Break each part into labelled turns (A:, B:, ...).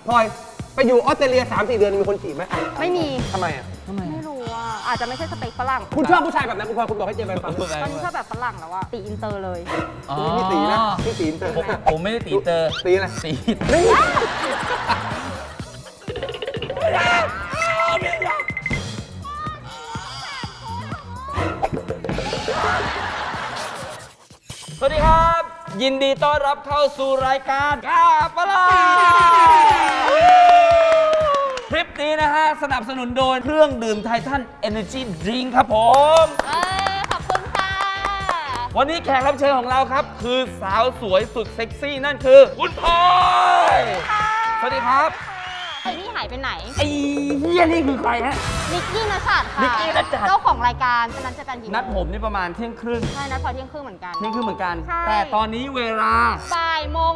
A: พลอยไปอยู่ออสเตรเลีย 3-4 เดือนมีคนจีบไหม
B: ไม่มี
A: ทำไมอ่ะ
B: ไม่รู้อ่ะอาจจะไม่ใช่สเปคฝรั่ง
A: คุณชอบผู้ชายแบบไหนคุณพลอยคุณบอกให้เจแปนฟัง
B: ตอนนี้ชอบแบบฝรั่งแล้วอะตีอินเตอร์เลย
A: พี่ตีนะพี่ตีเตอร์
C: ผมไม่ได้ตีเตอร์
A: ตีอะไร
C: ตี
A: นี่
C: สวัสดีครับ ยินดีต้อนรับเข้าสู่รายการกาปลาคลิปนี้นะฮะสนับสนุนโดยเครื่องดื่มไททัน Energy Drink ครับผม
B: ขอบคุณค่ะ
C: วันนี้แขกรับเชิญของเราครับ คือสาวสวยสุดเซ็กซี่นั่นคือคุณพลอยสวัสดีครับ
B: ไอ้นี่หายไปไหน
C: ไอ้เฮียนี่คือใครฮะ
B: นิกกี้นัชชัดค่ะ
C: นิกกี้นัชชัด
B: เจ้าของรายการจะนัดเจอกันกี่โมง
C: นัดผมนี่ประมาณเที่ยงครึ่ง
B: ใช่นัดพอเที่ยงครึ่งเหมือนกัน
C: เที่ยงครึ่งเหมือนกัน
B: ใช่
C: แต่ตอนนี้เวลา
B: บ่ายโมง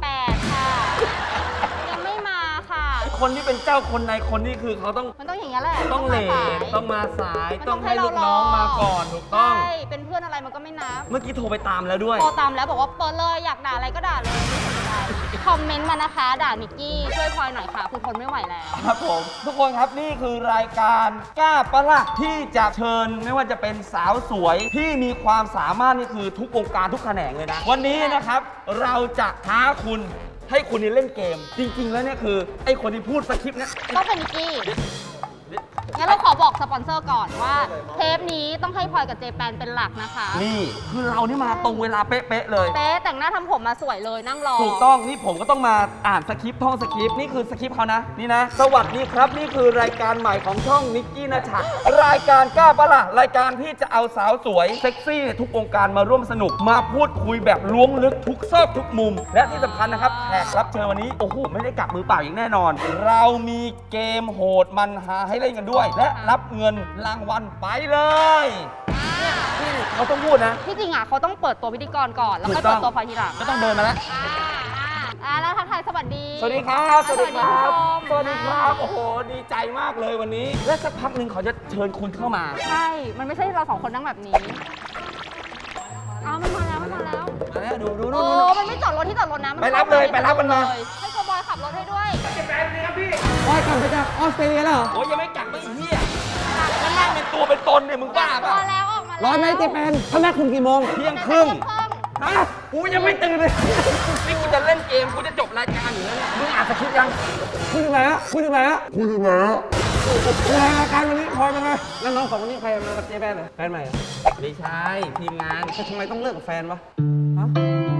B: 48 ค่ะ ยังไม่มาค่ะ
C: คนที่เป็นเจ้าคนในคนนี่คือเขาต้อง
B: มันต้องอย่างนี้ยแหละ
C: ต้องเล
B: มา
C: ท
B: สาย
C: ต้องมาสาย
B: มัน
C: ต้องให้ลูกน้องมาก่อนถูกต้อง
B: ใช่เป็นเพื่อนอะไรมันก็ไม่นับ
C: เมื่อกี้โทรไปตามแล้วด้วย
B: โทรตามแล้วบอกว่าเปิดเลยอยากด่าอะไรก็ด่าเลยไม่สนใจคอมเมนต์มานะคะ ด่านิกกี้ช่วยพลอยหน่อยค่ะคือทนไม่ไหวแล้ว
C: ครับผม ทุกคนครับนี่คือรายการกล้าปะล่ะที่จะเชิญไม่ว่าจะเป็นสาวสวยที่มีความสามารถนี่คือทุกวงการทุกแขนงเลยนะ วันนี้นะครับเราจะท้าคุณให้คุณนี่เล่นเกม จริง ๆ แล้วเนี่ยคือไอ้คนที่พูดสคริปต์เนี่ย
B: ก็เป็นนิกกี้ งั้นเราขอบอกสปอนเซอร์ก่อนว่าเทปนี้ต้องให้พลอยกับเจแปนเป็นหลักนะคะ
C: นี่คือเรานี่มาตรงเวลาเป๊ะๆเลย
B: เป๊ะแต่งหน้าทำผมมาสวยเลยนั่งรอ
C: ถูกต้องนี่ผมก็ต้องมาอ่านสคริปต์ท่องสคริปต์นี่คือสคริปต์เขานะนี่นะ สวัสดีครับนี่คือรายการใหม่ของช่องนิกกี้นะชัดรายการกล้าปะล่ะรายการที่จะเอาสาวสวยเซ็กซี่ทุกวงการมาร่วมสนุกมาพูดคุยแบบล้วงลึกทุกซอกทุกมุม และที่สำคัญนะครับแขกรับเชิญวันนี้โอ้โหไม่ได้กลับมือเปล่าอย่างแน่นอน เรามีเกมโหดมันหาให้เล่นกันด้วย และรับเงินรางวัลไปเลยที่เขาต้องพูดนะ
B: ที่จริงอ่ะเขาต้องเปิดตัวพิธีกรก่อนแล้วค่อย
C: ถูกต้
B: เปิ
C: อง
B: ดตัวพลอยทีหลัง
C: ก็ต้องเดินมาแล้ว
B: แล้วทักทายสวัสดี
C: สวัสดีครับ สวัสดีครับ สวัสดีครับ
B: โอ้
C: โอ้โห ดีใจมากเลยวันนี้ และสักพักหนึ่งเขาจะเชิญคุณเข้ามา
B: ใช่ มันไม่ใช่เราสองคนนั่งแบบนี้มันมาแล้ว
C: มาแล้วดู
B: โอ้มันไม่จอดรถที่จอดรถนะ
C: ไปรับเลยไปรับมันมา
B: ให้โกบอยขับรถให้ด้วย
A: พลอยกลับไปจากออสเตรเลียแล้วเหรอ
C: โอ้ยยังไม่กลับไม่เหี้ยมันนั่งเป็นตัวเป็นตนเนี่ยมึงบ้า
B: พ
C: เปล่า
B: อแล้วออกมาแล้ว
A: ร้อนไหมเจแปนเขานัดคุณกี่โมง
C: เที่ยงครึ่ง
A: ฮะกูยังไม่ตื่นเลย
C: นี่กูจะเล่นเกมกูจะจบรายการอยู่แล้วเนี่ยมึงอ่านสคริปต์ยัง
A: คุณอยู่ไหนอะคุณอยู่ไหนอะคุณอยู่ไหนอะรายการวันนี้พลอยเป็นไงแล้วน้องสองคนนี้ใครมากับเจแปนเหรอแฟนใหม่เหรอ
C: ไม่ใช่ทีมงาน
A: แต่ทำไมต้องเลิกกับแฟนวะฮะ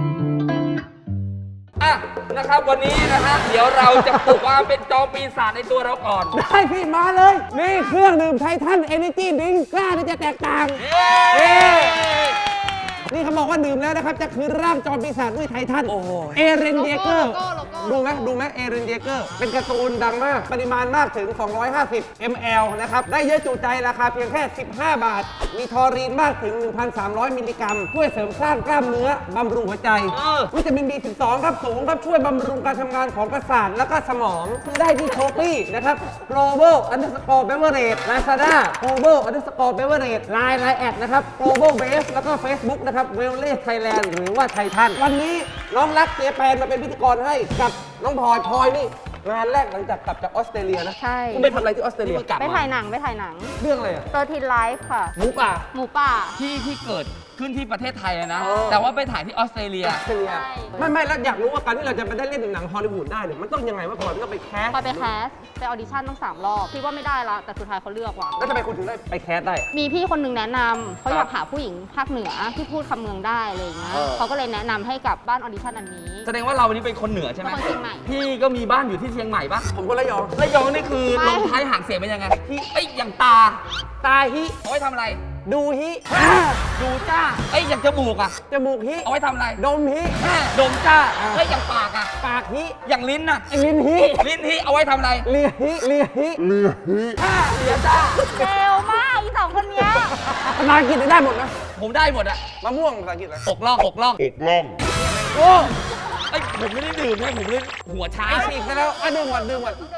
C: อ่ะนะครับวันนี้นะฮะเดี๋ยวเราจะปลุกความเป็นจอมปีศาจในตัวเราก่อน
A: ได้พี่มาเลย นี่เครื่องดื่มไททันเอเนจีดิ้งกล้าที่จะแตกต่าง
C: เย้
A: นี่เขาบอกว่าดื่มแล้วนะครับ จะคืนร่างจอมปีศาจด้วยไททัน
C: โอ้โห
A: เอเรนเยเกอร์
B: โลโก้
A: ดูไหมเอเรนเยเกอร์ เป็นการ์ตูนดังมาก ปริมาณมากถึง 250 ml นะครับ ได้เยอะจุใจราคาเพียงแค่ 15 บาท มีทอรีนมากถึง 1,300 มิลลิกรัม ช่วยเสริมสร้างกล้ามเนื้อบำรุงหัวใจ วิตามิน B12 ครับสูงครับ ช่วยบำรุงการทำงานของประสาทและก็สมองซื้อได้ที่โชปี้นะครับ global underscore beverage lazada global underscore beverage line แอดนะครับ global base แล้วก็ Facebook นะครับ w e l l e Thailand หรือว่าไททันวันนี้น้องรักเจแปนมาเป็นพิธีกรให้กับน้องพลอยนี่งานแรกหลังจากกลับจากออสเตรเลียนะ
B: ใช่
A: คุณไปทำอะไรที่ออสเตรเลีย
B: ไปถ่ายหนัง
A: เรื่องอะไรอ่ะ
B: 13 Life ค่ะ
A: หมูป่า
B: หมูป่า
C: ที่เกิดขึ้นที่ประเทศไทยอะนะ
A: เออ
C: แต่ว่าไปถ่ายที่ออสเตรเลีย
A: ออสเตรเลีย
B: ใช่
A: ไม่แล้วอยากรู้ว่าการที่เราจะไปได้เล่นหนังฮอลลีวูดได้เนี่ยมันต้องยังไงว่าพลอยมันต้องไปแคส
B: พลอยไปแคสไปออดิชั่นต้อง3 รอบคิดว่าไม่ได้ละแต่สุดท้ายเขาเลือกว่ะ
A: แล้วทำไมคุณถึงได้ไปแคสได้
B: มีพี่คนหนึงแนะนำเขาอยากหาผู้หญิงภาคเหนือที่พูดคำเมืองได้อะไรอย่างเงี้ย
A: เออ
B: เขาก็เลยแนะนำให้กับบ้านออดิชั่นอันนี้
C: แสดงว่าเราวันนี้เป็นคนเหนือใช่ไหม
B: เป็นคนเชียงใหม่
C: พี่ก็มีบ้านอยู่ที่เชียงใหม่ปะ
A: ผมก็ระยอง
C: ระยองนี่คือ
B: ไม่
C: ลงท้ายหางเสียงเป็นยังไงที่เอ้ยอย่างตา
A: ตาฮิ
C: เอาไว้ทำอะไร
A: ดูฮิ
C: ดูจ้าเอ้ยอย่างจมูกอะ
A: จมูกฮิ
C: เอาไว้ทำอะไร
A: ดมฮิ
C: ดมจ้าเอ้ยอย่างปากอะ
A: ปากฮิ
C: อย่างลิ้นอะ
A: ลิ้นฮิ
C: ลิ้นที่เอาไว้ทำอะไร
A: เลียฮิเลียฮิ
C: เสียจ้า
B: เร็วมากอีสองคนเนี้ย
A: ภาษาอังกฤษได้หมดนะ
C: ผมได้หมดอะ
A: มะม่วงภาษาอังกฤษอะไร
C: อกล่องอกล่อง
A: โอ้
C: เอ้ยผมไม่ได้ดื่มนะผมเลยหัวช้า
A: ไอฉีกซะแล้วอ่ะดื่มก่อน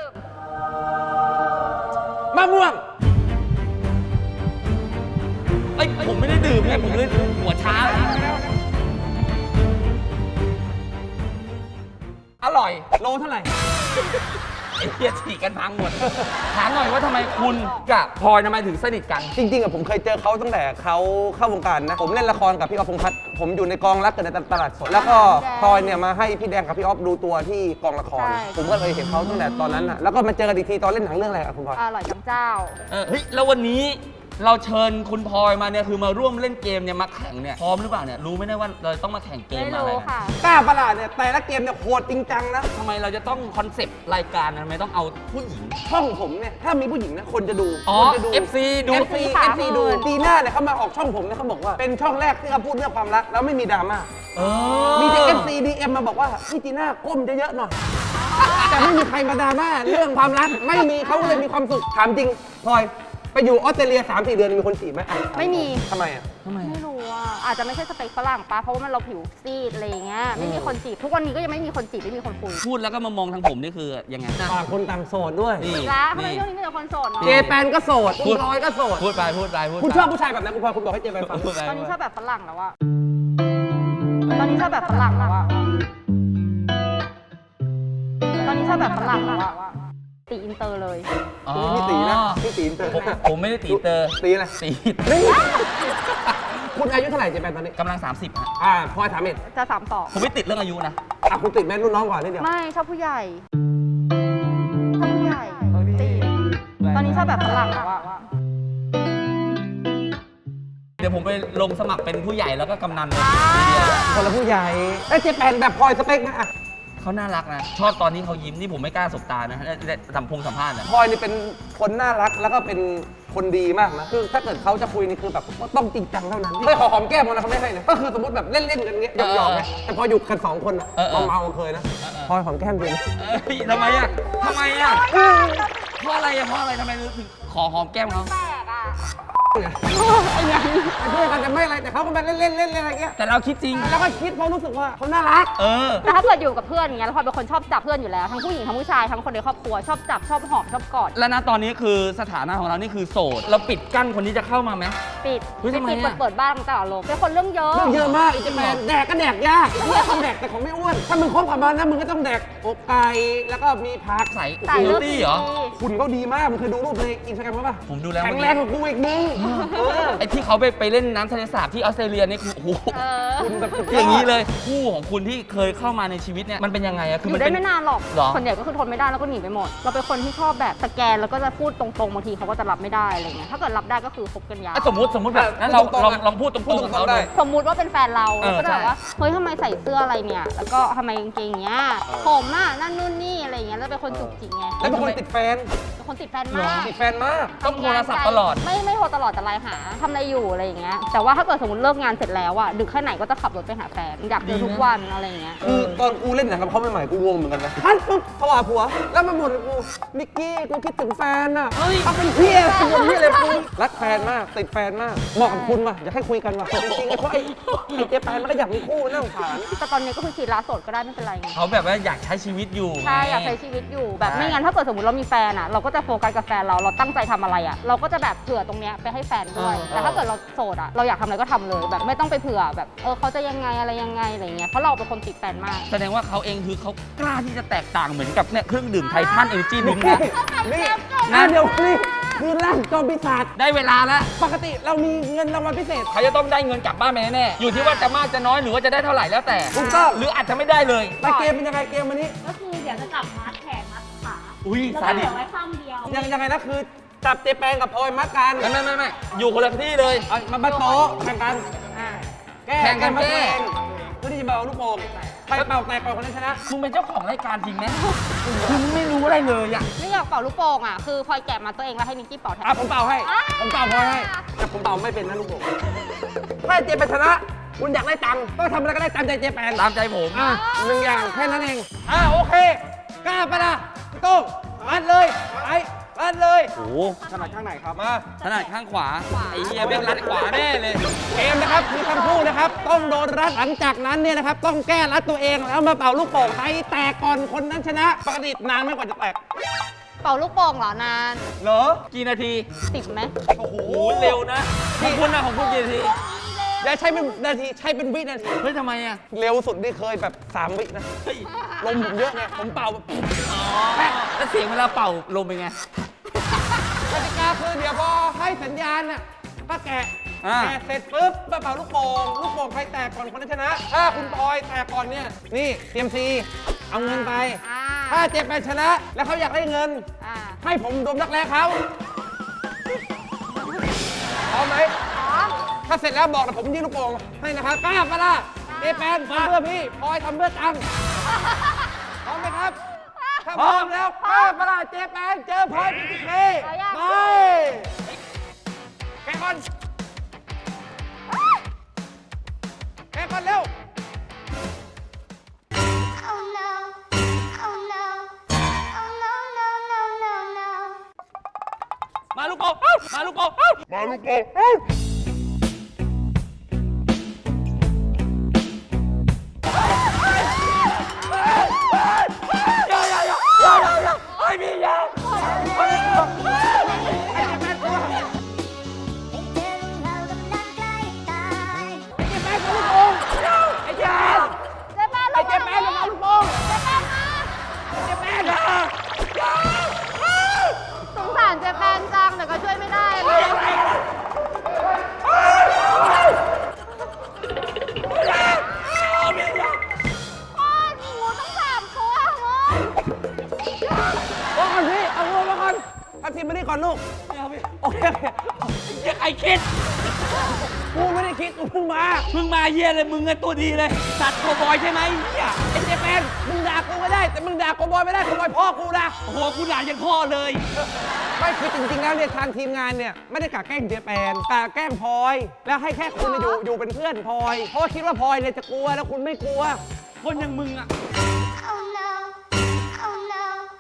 A: มะม่วง
C: เอ้ยผมไม่ได้ดื่มไงผมเลยหัวช้า อร่อย
A: โลเท่าไหร่
C: อ้เหี้ยฉีกกันพังหมด ถามหน่อยว่าทำไมคุณกับพลอยทำไมถึงสนิทกัน
A: จริงๆอะผมเคยเจอเขาตั้งแต่เขาเข้าวงการนะ ผมเล่นละครกับพี่อ๊อฟพงษ์พัฒน์ผมอยู่ในกองรักเกิดในตลาดสด แล้วก็พลอยเนี่ยมาให้พี่แดงกับพี่อ๊อฟดูตัวที่กองละคร
B: ใช่
A: ผมก็เลยเห็นเขาตั้งแต่ตอนนั้นอะแล้วก็มาเจอกันอีกทีตอนเล่นหนังเรื่องอะไรอะคุณพลอย
B: อร่อยจังเจ้า
C: เฮ้ยแล้ววันนี้เราเชิญคุณพลอยมาเนี่ยคือมาร่วมเล่นเกมเนี่ยมาแข่งเนี่ยพร้อมหรือเปล่าเนี่ยรู้ไหมเนี่ยว่าเราต้องมาแข่งเกม
B: ไม่
C: มาอะไร
B: รู้
C: นะ
B: ค่ะ
A: กล้าประหลาดเนี่ยแต่ละเกมเนี่ยโหดจริงจังนะ
C: ทำไมเราจะต้องคอนเซปต์รายการทำไมต้องเอาผู้หญิง
A: ช่องผมเนี่ยถ้ามีผู้หญิงนะคนจะดู
C: อ๋อ
A: คนจะดู
C: FC ดู
A: FC
B: ค่ะ
A: FC ดูปีหน้าเนี่ยเขามาออกช่องผมเนี่ยเขาบอกว่าเป็นช่องแรกที่เขาพูดเรื่องความรักแล้วไม่มีดราม่า
C: เออ
A: มีแต่ FC DM มาบอกว่าพี่จีน่าก้มเยอะๆหน่อย แต่ไม่มีใครมาดราม่าเรื่องความรักไม่มีเขาเลยมีความสุขถามจริงพลอยไปอยู่ออสเตรเลีย 3-4 เดือนมีคนจีบไหม
B: ไม่มี
A: ทำไมอ่ะ
C: ทำไม
B: ไม่รู้อ่ะอาจจะไม่ใช่สเปคฝรั่งปะเพราะว่ามันเราผิวซีดอะไรอย่างเงี้ยไม่มีคนจีบทุกวันนี้ก็ยังไม่มีคนจีบไม่มีคนคุย
C: พูดแล้วก็มามองทางผมนี่คือยังไง
A: ต่างคนต่างโสดด้วย
C: นี่
B: ละทำไมช่วงนี้มีแต่คนโสดเนาะ
A: เจแปนก็โสดคุณพลอยก็โสด
C: พูดไปพูดไปพูดไป
A: คุณชอบผู้ชายแบบไหนคุณพลอยคุณบอกให้เจแปนฟัง
C: พูดไป
B: ตอนนี้ชอบแบบฝรั่งแล้วอะตอนนี้ชอบแบบฝรั่งแล้วอะตอนนี้ชอบแบบฝรั่งแล้วอะตีอินเตอร์เลย
C: อ๋อ
A: พี่ตีนะพี่ตีเตอร์
C: ผมไม่ได้ตีเตอร์
A: ตีอะไร
C: ตี
A: นี่คุณอายุเท่าไหร่เจแปนตอนนี้
C: กำลัง 30ฮะ
A: พลอย31
B: จะสามต่อ
C: ผมไม่ติดเรื่องอายุนะ
A: คุณติดแม่รุ่นน้องก่อนนิดเดียว
B: ไม่ชอบผู้ใหญ่ชอบผู้ใหญ่ตีตอนนี้ชอบแบบฝรั่งแล้วอะ
C: เดี๋ยวผมไปลงสมัครเป็นผู้ใหญ่แล้วก็กำนันเลย
A: คนละผู้ใหญ่แล้วเจแปนแบบพลอยสเปคไหมอะ
C: เขาน่ารักนะ ชอบตอนนี้เขายิ้มนี่ผมไม่กล้าสบตานะได้สัมภาษณ์นะ
A: พลอยนี่เป็นคนน่ารักแล้วก็เป็นคนดีมากนะคือถ้าเกิดเขาจะคุยนี่คือแบบต้องจริงจังเท่านั้นเคยขอหอมแก้มมันนะเขาไม่ให้นะก็คือสมมติแบบเล่นๆกันเงี้ยหยอกๆไงแต่พออยู่กัน2 คนอะเมาๆเคยนะพลอยหอมแก้มจริง
C: เฮ้ยทำไมอ่ะทำไมอ่ะเพราะอะไรอ่ะเพราะอะไรทำไมถึงขอหอมแก้มเขา
B: แปลกอะ
A: ไอ้ไงเพื่อนกันจะไม่อะไรแต่เขาก็มาเล่นอะไรเงี้ย
C: แต่เราคิดจริง
A: แล้วก็คิดเพราะรู้สึกว่าเขาน่ารัก
C: เออ
B: แต่ถ้าเกิดอยู่กับเพื่อนอย่างเงี้ยแล้วพลอยเป็นคนชอบจับเพื่อนอยู่แล้วทั้งผู้หญิงทั้งผู้ชายทั้งคนในครอบครัวชอบจับชอบหอมชอบกอด
C: แล้วนะตอนนี้คือสถานะของเรานี่คือโสด เราปิดกั้นคนที่จะเข้ามาไหม
B: ปิด
C: เฮ้ยทำไม
B: ปิด
C: อะ
B: เปิดบ้านตลอดลมเป็นคนเรื่องเยอะ
A: เรื่องเยอะมากอีเจแปนแดกก็แดกยากเพื่อนต้องแดกแต่ของไม่อ้วนถ้ามึงคบกับมันนะมึงก็ต้องแดกอกไก่แล้วก็มีผัก
C: ใส่
B: ใส่
C: คู
B: เลือก
C: ตี้
B: ดี
C: เหรอ
A: คุณเขาดีมากมึงเคยดูรูปในอินสตาแกรมเขาป่ะ
C: ผมดูแล้ว
A: แข็งแรงกว่ากูอีกมึงเออ
C: ไอ้ที่เขาไปเล่นน้ำทะเลสาบที่ออสเตรเลียนี่คือโอ้โห
B: เออ
A: คุณแบบสุด
C: อย่างนี้เลยคู่ของคุณที่เคยเข้ามาในชีวิตเนี่ยมันเป็นยังไงอะคือ
B: อ
C: มัน
B: ยู่ได้
C: เป็น
B: ไม่นานหรอก
C: หรอ
B: คนใหญ่ก็คือทนไม่ได้แล้วก็หนีไปหมด เราเป็นคนที่ชอบแบบสแกนแล้วก็จะพูดตรงๆบางทีเขาก็จะรับไม่ได้อะไรเงี้ยถ้าเกิดรับได้ก็คือคบกันยาว
C: อ่ะสมมติแบบนั้นเราลองพูดตรงๆกับเขาดู
B: สมมุติว่าเป็นแฟนเรา
C: เออ
B: ก็จะแบบว่า
C: ใช่
B: เฮ้ยทำไมใส่เสื้ออะไรเนี่ย แล้วก็ทำไมกางเกงเงี้ยผมอ่ะนั่นนู่นนี่อะไรเงี้ยแล้วเป็นคนจุกจิกไง
A: แล้วเป็นคนติดแฟน
B: เป็นคนติดแฟนมาก
A: ติดแฟนมาก
C: ต้องโทรศัพท์ตลอด
B: ไม่โทรตลอดแต่ไลน์หาทำอะไรอยู่อะไรอย่างเงี้ยแต่ว่าถ้าเกิดสมมติเลิกงานเสร็จแล้วอ่ะดึกแค่ไหนก็จะขับรถไปหาแฟนอยากเจอทุกวันอะไรอย่างเงี้ย
A: คือตอนกูเล่นหนังกับเขาใหม่ๆกูงงเหมือนกันนะฮันปุ๊บเขาหาผัว แล้วมาหมดเลยกูนิกกี้กูคิดถึงแฟนอ่ะ
C: เฮ้ย
A: เขาเป็นเพี้ยกูเป็นเพี้ยเลยกูรักแฟนมากติดแฟนมากเหมาะกับคุณว่ะอยากให้คุยกันว่ะจริงๆไอ้เพราะไอ้เจแปนมันก็อยากมีคู่น่าสงสาร
B: แต่ตอนนี้ก็คือฉีดลาโสดก็ได้ไม่เป็นไรไง
C: เขาแบบว่าอยากใช้ชีวิตอยู่
B: ใช่อยากใช้ชีวิตอยู่แบบไม่งั้นถ้าเกิดสมมติเรามีแฟนอ่ะเราก็จะโฟกัสกับแฟนเราตั้งใจทำอะไรอ่ะเราก็จะแบบเผื่อตรงเนี้ยไปให้แฟนด้วย แต่ถ้าเกิดเราโสดอ่ะเราอยากทำอะไรก็ทำเลยแบบไม่ต้องไปเผื่อแบบเขาจะยังไงอะไรยังไงอะไรเงี้ยเพราะเราเป็นคนติดแฟนมาก
C: แสดงว่าเขาเองคือเขากล้าที่จะแตกต่างเหมือนกับเนี่ยเครื่องดื่มไททันเอเนจีดิ้ง
A: นี่
C: นะ
A: นี่นะเดี๋ยวนี่คือร่างจอมปีศาจ
C: ได้เวลาแล้ว
A: ปกติเรามีเงินรางวัลพิเศษ
C: เขาจะต้องได้เงินกลับบ้านไปแน่ๆอยู่ที่ว่าจะมากจะน้อยหรือว่าจะได้เท่าไหร่แล้วแต่
A: ถูกต้อง
C: หรืออาจจะไม่ได้เลย
A: แต่เกมเป็นยังไงเกมวันนี้
D: ก็คือเดี๋ยวจะจับมัดแขนมัดขา
C: อุ้ย
D: แล้ว
C: ซา
D: ก็เห
C: ดิ
D: ลื
C: ส
D: อไว้ข้างเดียว
A: ยังไงนะคือจับเจแปนกับพลอยมัดกัน
C: ไม่อยู่คนละที่เลย
A: เอามาโต๊ะแข่งกันแก้
C: แข่งกัน
A: มัด
C: แก้
A: เองเพื่อที่จะเบาลูกโป่งใครเป่าแตกก่อนคนนั้นชนะ
C: คุณเป็นเจ้าของรายการจริงไหมคุณไม่รู้อะไรเลยอ่ะ
B: ไม่อยากเป่าลูกโป่งอ่ะคือพลอยแกะมาตัวเองแล้วให้นิกกี้เป่าแทน
A: ผมเป่าให้ ผมเป่าพลอยให้แต่ผมเป่าไม่เป็นนะลูกโป่งถ้าเจแปนชนะ คุณอยากได้ตังค์ก็ทำอะไรก็ได้ตามใจเจแปน
C: ตามใจผม
A: หนึ่งอย่างแค่นั้นเองโอเคกล้าปะล่ะพี่โต้งมัดเลยไปมัดเลย
C: โอ้โห
A: ถนัดข้างไหนครับมา
C: ถนัดข้างขวาไอ้เหี้ยแม่งรัดขวาแน่เลย
A: เกมนะครับคือทั้งคู่นะครับต้องโดนรัดหลังจากนั้นเนี่ยนะครับต้องแก้รัดตัวเองแล้วมาเป่าลูกโป่งใครแตกก่อนคนนั้นชนะปกตินานไม่กว่าจะแตก
B: เป่าลูกโป่งเหรอนาน
A: เหรอ
C: กี่นาที
B: 10ไหม
A: โอ้โห
C: โอ้โหเร็วนะของคุณนะของคุณกี่นาที
A: อย่าใช้เป็นนาทีใช้เป็นวินาที
C: เฮ้ยทำไมอ่ะ
A: เร็วสุดนี่เคยแบบ3 วินะ
C: เฮ้ย
A: ลมผมเยอะไงผมเป่าแบบ
C: แล้วเสียงเวลาเป่าลมเป็นไง
A: กติกาคือเดี๋ยวพอให้สัญญาณน่ะก็แกะ
C: อ่า
A: แกะเสร็จปุ๊บมาเป่าลูกโป่งลูกโป่งใครแตกก่อนคนนั้นชนะ ถ้าคุณพลอยแตกก่อนเนี่ยนี่เตรียมซีเอาเงินไป
B: อ่า
A: ถ้าเจ็บไปชนะ แล้วเขาอยากได้เงิน
B: อ่า
A: ให้ผมดมรักแร้เขาพร้อมไหม
B: พร้อม
A: ถ้าเสร็จแล้วบอกนะผมยื่นลูกโป่งให้นะครับกล้าปะล่ะเจแปนทำเพื่อพี่พลอยทำเพื่อตังค์พร้อมไหมครับ ถ้าพร้อมแล้วกล้าปะล่ะเจแปนเจอพลอยพีทีเคไปแกะก่อนแกะก่อนเร็ว
E: Oh no, oh no, oh no, no, no, no, no.
C: มาลูกโป่งเอ้ามาลูกโป่งเอ้ามาลูกโป่งเอ้าไม่มียา
A: ไอ้เจแปน
B: เจ๊แป้น
A: ไอ้เจแปนลงมาลูกโป่ง
B: เจ๊แป้นมา
A: เจแปนนะ
B: สงสารเจ๊แป้นจังแต่ก็ช่วยไม่ได้เลย โอ้ยมีงูต้อง3 ตัวมึง
A: โอ้ก่อนพี่เอางูมาก่อนทัพทีมมานี่ก่อนลูกโอเค
C: ใครคิด
A: กูไม่ได้คิดกูเพิ่งมา
C: เพิ่งมาเยี่ยเลยมึงไงตัวดีเลย สัตว์โคบอยใช่ไหมเหี้ย
A: ไอ้เจแปนมึงด่ากูไม่ได้ แต่มึงด่าโกบอยไม่ได้โกบอยพ่อกูนะ
C: โอ้โหกูด่ายันพ่อเลย
A: ไม่คือจริงๆแล้วเนี่ยทางทีมงานเนี่ยไม่ได้กะแกล้งเจแปนกะแกล้งพลอย แล้วให้แค่คุณอยู่เป็นเพื่อนพลอย เพราะว่าคิดว่าพลอยเนี่ยจะกลัวแล้วคุณไม่กลัว
C: คนอย่างมึงอ่ะ
E: Oh no, oh no,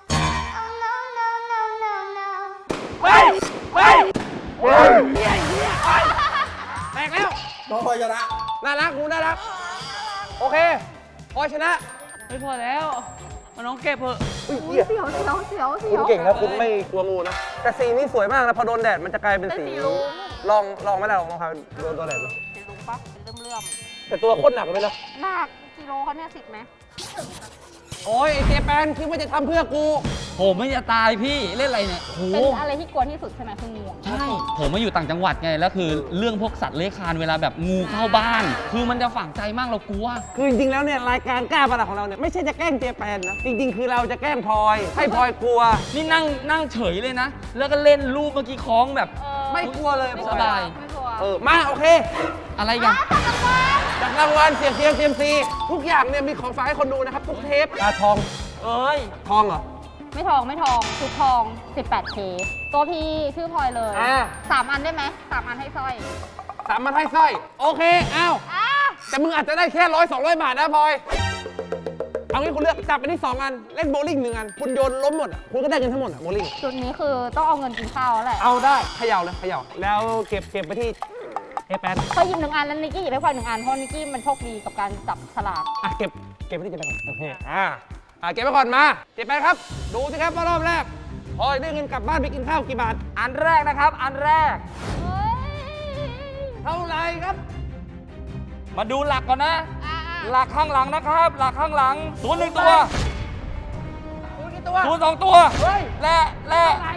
E: oh no, no, no, no, no.
A: เฮ้ยเฮ้ยเฮ้ยเฮียเฮียแตกแล้ว
F: น้องพลอยชนะ
A: น่ารักกูน่ารัก โอเคพลอยชนะ
C: ไม่พอแล้วเอาน้องเก็บเถอะ
A: อุ้ย
B: อุ๊
A: เฮี
B: ย
A: ย
B: เสียวเสียวเสียวเสี
A: คุ
B: ย
A: ณ
B: ว
A: เก่งนะคุณไม่กลัวงูนะ แต่สีนี้สวยมากนะพอโดนแดดมันจะกลายเป็น
B: เป็น
A: สี
B: สีรุ้ง
A: ลองไม่ได้ลองครับโดนแดดดู
B: สีลุงปะเลื่อม
A: แต่ตัวโคตรหนักเลยนะ
B: ๆหนักกิโลเขาเนี่ย10ไหม
A: โอ้ยไอ้เจแปนคิดว่าจะทำเพื่อกู
C: ผมไม่จะตายพี่เล่นอะไรเนี่ยโห
B: เป็นอะไรที่กลัวที่สุดใช่ไหมคืองูอะ
C: ใช่ ผมมาอยู่ต่างจังหวัดไง แล้วคือเรื่องพวกสัตว์เลื้อยคลานเวลาแบบงูเข้าบ้าน คือมันจะฝังใจมากเรากลัว
A: คือจริงๆแล้วเนี่ยรายการกล้าประหลาดของเราเนี่ยไม่ใช่จะแกล้งเจแปนนะ จริงๆ คือเราจะแกล้งพลอย ให้พลอยกลัว
C: นี่นั่งเฉยเลยนะ แล้วก็เล่นรูปเมื่อกี้คล้องแบบ
B: เออ
A: ไม่กลัวเลย
B: ไม่
A: พ
B: ก
A: ล
B: ลั
A: อ
B: วย
C: สบาย
B: ไม่กลัว
A: มาโอเค
C: อะไรกัน
A: จากรางวัลเสียงเซียมซีทุกอย่างเนี่ยมีของฝากให้คนดูนะครับ ทุกเทปทอง
C: เอ้ย
A: ทองเหรอ
B: ไม่ทองชุดทอง 18K ตัวพี่ชื่อพลอยเลย
A: อ่า
B: 3 อันได้ไหม3 อันให้สร้อย
A: 3 มันให้สร้อย โอเคอ้าว
B: อ่ะ
A: แต่มึงอาจจะได้แค่100-200 บาทนะพลอย เอางี้คุณเลือกจับไปที่2 อัน เล่นโบว์ลิ่ง1 อัน คุณโยนล้มหมดอ่ะคุณก็ได้เงินทั้งหมดอ่ะโบว์ลิ่ง
B: จุดนี้คือต้องเอาเงินกินข้าวแล้วแหละ
A: เอาได้เขย่าเลยเขย่าแล้วเก็บไปที่เอแปน
B: พอหยิบ1 อันแล้วนิกกี้หยิบให้พลอย1 อันเพราะนิกกี้มันโชคดีกับการจับฉลาก
A: อ่ะเก็บไปที่เจแปนก่อนโอเคเก็บไปก่อนมาเจแปนครับ ดูสิครับว่ารอบแรกพลอยได้เงินกลับบ้านไปกินข้าวกี่บาท
C: อันแรกนะครับ อันแรก
B: เฮ้ย
A: เท่าไหร่ครับ
C: มาดูหลักก่อนนะ
B: อ่ะ
C: หลักข้างหลังนะครับ หลักข้างหลังศูนย์1 ตัว
A: คุณกี่ตัว
C: ศูนย์2 ตัว
A: เฮ้ย
C: และ
A: เท่าไหร่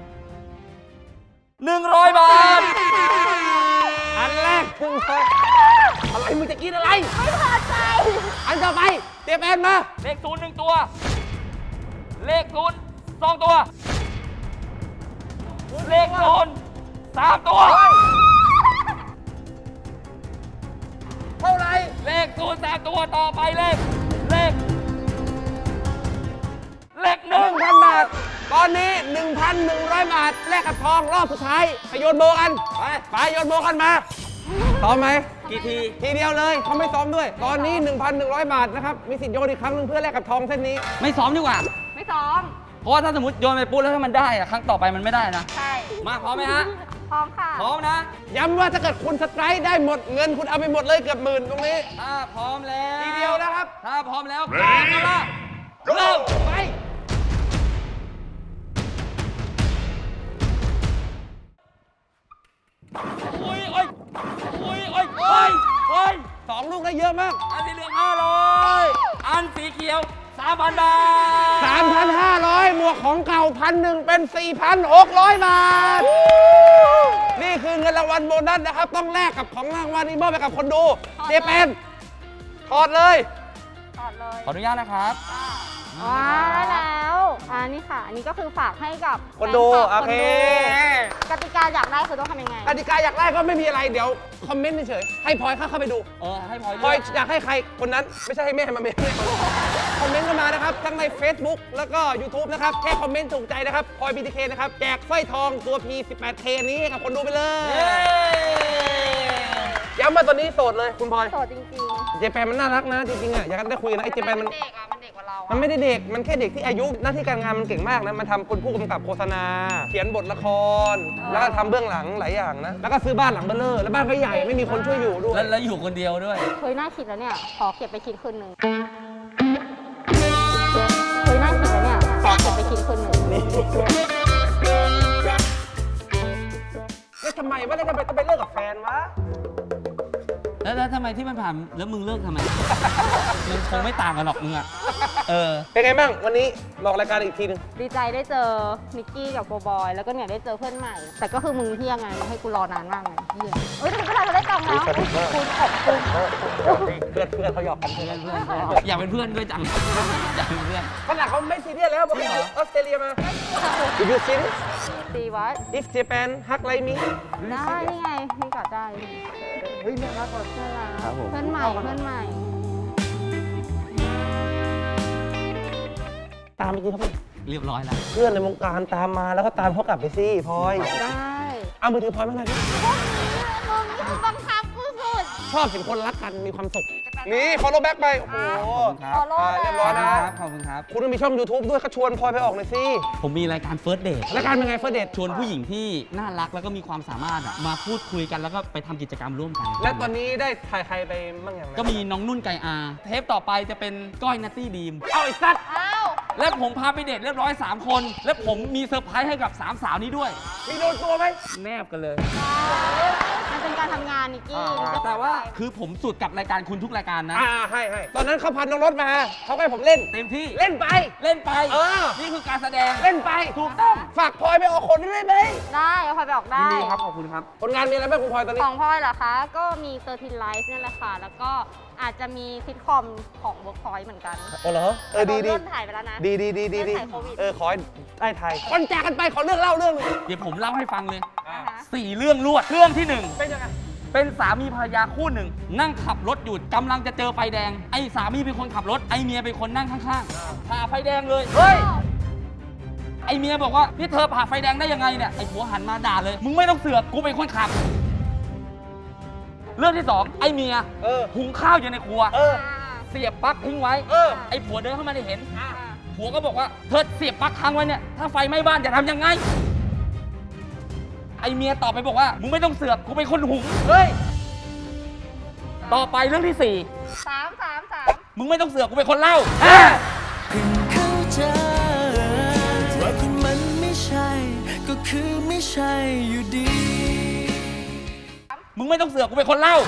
C: 100 บาท
A: อันแรกถึงอะไรมึงจะกินอะไร
B: ไม่พอใจ
A: อันต่อไปเจแปนมา
C: เลข0 1 ตัว เลข0 2 ตัว เลข0 3 ตัว
A: เท่าไหร่
C: เลข0 3 ตัวต่อไปเลข
A: 1,000 บาท ตอนนี้ 1,100 บาท แลกกับทองรอบสุดท้ายไปโยนโบกัน ไปโยนโบกันมาซ้อมไหม
C: กี่ที
A: ทีเดียวเลยเขาไม่ซ้อมด้วย ตอนนี้ 1,100 บาทนะครับ มีสิทธิ์โยนอีกครั้งหนึงเพื่อแลกกับทองเส้นนี้
C: ไม่ซ้อมดีกว่า
B: ไม่ซ้อม
C: เพราะว่าถ้าสมมติโยนไปปุ๊บแล้วถ้ามันได้อะครั้งต่อไปมันไม่ได้นะ
B: ใช่
C: มาพร้อมไหมฮะ
B: พร้อมค่ะ
C: พร้อมนะ
A: ย้ำว่าถ้าเกิดคุณสไตร์ได้หมดเงินคุณเอาไปหมดเลยเกือบหมื่นตรงนี้
C: ถ้าพร้อมแล้ว
A: ทีเดียวนะครับ
C: ถ้าพร้อมแล้วกางกันละเริ่ม
A: ไป
C: โอ้ยโอ้ยโอ้ยโอ้ยโอ้ย
A: เยอะมาก
C: อันสีเหลือง500 อันสีเขียว 3,000 บาท
A: 3,500 หมวกของเก่า1,001เป็น 4,600 บาท นี่คือเงินรางวัลโบนัสนะครับ ต้องแลกกับของรางวัลนี้มอบไปกับคนดู เจแปนถอดเลย
B: ถอดเลย
C: ขออนุญาตนะครับ
B: ว้าได้แล้วนี่ค่ะ อันนี้ก็คือฝากให้กับ
A: คนดู
B: แฟ
A: โอ
B: ลับ
A: เค
B: กติกาอยากได้คือต้องทำยังไง
A: กติกาอยากได้ก็ไม่มีอะไร เดี๋ยวคอมเมนต์เฉยๆให้พลอยเข้าไปดู
C: ให้พลอย
A: พลอยอยากให้ใครคนนั้นไม่ใช่ให้แม่มาเมนคอมเมนต์กันมานะครับทั้งใน Facebook แล้วก็ YouTube นะครับแค่คอมเมนต์ถูกใจนะครับพลอย BTK นะครับแจกสร้อยทองตัว P18K นี้ให้กับคนดูไปเลยย้ำมาตอนนี้โสดเลยคุณพลอย
B: โสดจริง
A: เจแปนมันน่ารักนะจริงๆอ่ะอยากได้คุยกันนะไอ้
B: ๆ
A: เจแปนมัน
B: เด็กอ่ะมันเด็กกว่าเรา
A: มันไม่ได้เด็กมันแค่เด็กที่อายุหน้าที่การงานมันเก่งมากนะมันทำคนผู้กำกับโฆษณา เขียนบทละคร แล้วก็ทำเบื้องหลังหลายอย่างนะแล้วก็ซื้อบ้านหลังเบ้อเร่อแล้วบ้านก็ใหญ่ไม่มีคนช่วยอยู่ด้วย
C: แล้วอยู่คนเดียวด้วย
B: เคยน่าคิดแล้วเนี่ย ขอเก็บไปคิดคืนหนึ่งเคยน่าคิดแล้วเนี่ย ขอเก็บไปคิดคืนหนึ่ง
A: แล้วทำไมว่าแล้วทำไมต้องไปเลิกกับแฟนวะ
C: แล้วทำไมที่มันผ่านแล้วมึงเลิกทำไม มันคงไม่ต่างกันหรอกมึงอ่ะ
A: เป็นไงบ้างวันนี้บอกรายการอีกทีหนึง
B: ดีใจได้เจอนิกกี้กับโกบอย แล้วก็เนี่ยได้เจอเพื่อนใหม่ แต่ก็คือมึงเที่ยงไงมึงให้กูรอนานมากไงเที่ยงเอ้ยแต่ก็ได้ตังค์แล้วคุณขอบคุณ
A: เพื่อนเขาหยอกกัน
C: อยากเป็นเพื่อนด้วยจัง อยากเป็นเพื่อน
A: ขนาดเขาไม่ซีเรียสแล้วบอกว่าออสเตรเลียมา If you see this
B: ตีวัด
A: if Japan hug like me
B: ได้นี่ไงมึงกอดได้
A: เฮ้ยน่ารักว่ะ
B: น่ารัก
C: ครับผม
B: เพื่อนใหม่เพื่อนใหม่
A: ตามไปกินเขาไป
C: เรียบร้อยแล้ว
A: เพื่อนในวงการตามมาแล้วก็ตามเขากลับไปสิพลอย
B: ได้
A: เอามือถือพลอยมาหน่อยดิ
B: มึงบังคับกูสุด
A: ชอบเห็นคนรักกันมีความสุข นี่ follow back ไป โอ้โห
C: ขอบคุณครับ
B: follow
A: เรียบร้อยนะ
C: ขอบคุณครับ
A: คุณต้องมีช่อง YouTube ด้วยก็ชวนพลอยไปออกหน่อยสิ
C: ผมมีรายการ First Date
A: รายการเป็นไงเฟิร์สเดท
C: ชวนผู้หญิงที่น่ารักแล้วก็มีความสามารถอะมาพูดคุยกันแล้วก็ไปทำกิจกรรมร่วมกัน
A: และตอนนี้ได้ถ่ายใครไปบ้างอย่างไร
C: ก็มีน้องนุ่นไก่อา เทปต่อไปจะเป็นก้อยนัตตี้ดีม
A: เอาไอ้สัตว์
B: อ้าว
C: และผมพาไปเดทเรียบร้อย 3 คน และผมมีเซอร์ไพรส์ให้กับ 3 สาวนี้ด้วย
A: มีโดนตัวไหม
C: แนบกันเลย
B: มันเป็นการทำงานนิกกี้
C: แต่ว่าคือผมสุดกับรายการคุณทุกรายการนะ
A: ให้ตอนนั้นเขาพันน้องรถมาเขาให้ผมเล่น
C: เต็มที่
A: เล่นไป
C: เล่นไป
A: เออ
C: นี่คือการแสดง
A: เล่นไป
C: ถูกต้อง
A: ฝากพลอยไปออกคนได้ไหม
B: ได้เอาพลอยไปออก
C: ยิ
B: ได้
C: นดีครับ ขอบคุณครับ
A: ผลงานมีอะไรบ้างคุณพลอยตอนนี้
B: ของพลอยเหรอคะ ก็มี13 Life นี่แหละค่ะ แล้วก็อาจจะมีซิทคอมของ Workpoint เหมือนกัน
A: โอ้เหรอดี
B: เริ่มถ่ายไปแล้วนะ
A: ดี
B: เรื่องถ่ายโควิด
A: ขอให้ได้ไทยคนแจกกันไปขอเรื่องเล่าเรื่องหนึง
C: เดี๋ยวผมเล่าให้ฟังเลย
B: นะคะ
C: 4 เรื่องรวด เรื่องที่
A: เป็นยังไง
C: 1 เป็นสามีภรรยาคู่หนึ่ง นั่งขับรถอยู่กำลังจะเจอไฟแดง ไอ้สามีเป็นคนขับรถ ไอ้เมียเป็นคนนั่งข้างๆผ่าไฟแดงเลย
A: เฮ้ย
C: ไอ้เมียบอกว่านี่เธอผ่าไฟแดงได้ยังไงเนี่ย ไอ้ผัวหันมาด่าเลย มึงไม่ต้องเสือกกูเป็นคนขับ เรื่องที่ 2 ไอ้เมีย
A: เออ
C: หุงข้าวอยู่ในครัว
A: เออ
C: เสียบปลั๊กทิ้งไว้
A: เออ
C: ไอ้ผัวเดินเข้ามาได้เห็น ผัวก็บอกว่าเธอเสียบปลั๊กค้างไว้เนี่ย ถ้าไฟไหม้บ้านจะทำยังไง ไอ้เมียตอบไปบอกว่า มึงไม่ต้องเสือก กูเป็นคนหุง
A: เฮ้ย
C: ต่อไปเรื่องที่
B: 3
C: มึงไม่ต้องเสือก กูเป็นคนเล่า
F: เพิ่งเข้าใจว่าคุณมันไม่ใช่ ก็คือไม่ใช่อยู่ดี
C: มึงไม่ต้องเสือก กูเป็นคนเล่า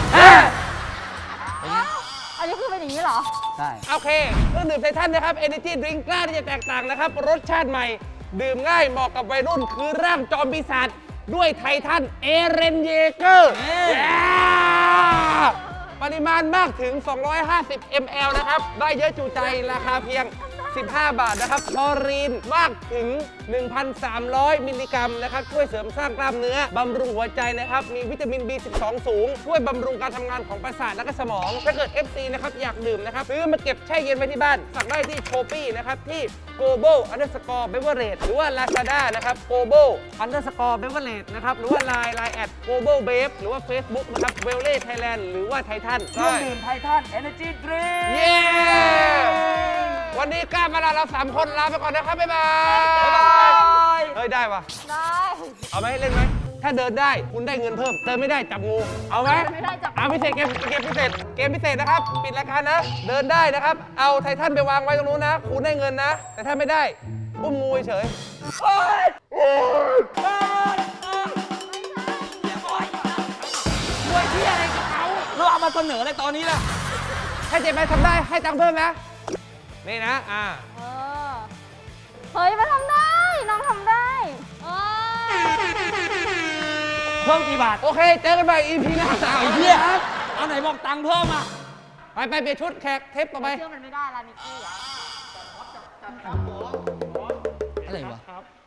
B: อันนี้คือเป็นอย่างนี้เหรอ
C: ใช่
A: โอเคเครื่องดื่มไททันนะครับ Energy Drink กล้าที่จะแตกต่างนะครับ รสชาติใหม่ ดื่มง่ายเหมาะกับวัยรุ่น คือร่างจอมปีศาจด้วยไททันเอเรนเยเกอร์ปริมาณมากถึง 250 ml นะครับ ได้เยอะจูใจราคาเพียง 15 บาทนะครับคลอรีนมากถึง 1,300 มิลลิกรัมนะครับ ช่วยเสริมสร้างกล้ามเนื้อบำรุงหัวใจนะครับ มีวิตามิน B12 สูง ช่วยบำรุงการทำงานของประสาทและก็สมอง ถ้าเกิด FC นะครับ อยากดื่มนะครับ ซื้อมาเก็บแช่เย็นไว้ที่บ้าน สั่งได้ที่ Shopee นะครับ ที่ global_beverage หรือว่า Lazada นะครับ global_beverage นะครับ หรือว่า Line at global babe หรือว่า Facebook นะครับ w e l l e Thailand หรือว่า Titan
C: เครื่องดื่มไททัน Energy Drink
A: เย้ วันนี้กล้ามาลาเรา 3 คนลาไปก่อนนะครับ บ๊ายบาย เฮ้ย ได้ปะ
B: ได้
A: เอาไหมเล่นไหม ถ้าเดินได้คุณได้เงินเพิ่ม เดินไม่ได้จับงู เอาไหม
B: ไม่ได้จับ
A: เอาพิเศษเกมพิเศษ เกมพิเศษนะครับ ปิดรายการนะ เดินได้นะครับ เอาไททันไปวางไว้ตรงนู้นนะ คุณได้เงินนะ แต่ถ้าไม่ได้อุ้มงูเฉยโอ๊ยโอ๊ยโอ๊ย
C: ด้วยที่อะไรกับเขาเราเอามาเสนอในตอนนี้ล่ะ
A: ถ้าเจแปนทำได้ให้ตังค์เพิ่มนะ นี่นะ
B: เออ เฮ้ยมันทำได้ น้องทำได้เออ
C: เพิ่มกี่บาท
A: โอเค เจอกันใหม่ EP หน้า
C: ไอ้เหี้ยเอาไหนบอกตังค์เพิ่มอ่ะ
A: ไปเปลี่ยนชุดแขกเทปต่อไป
B: เชื่อมันไม่ได้ละนิกกี้อ่ะ
C: อะไรวะ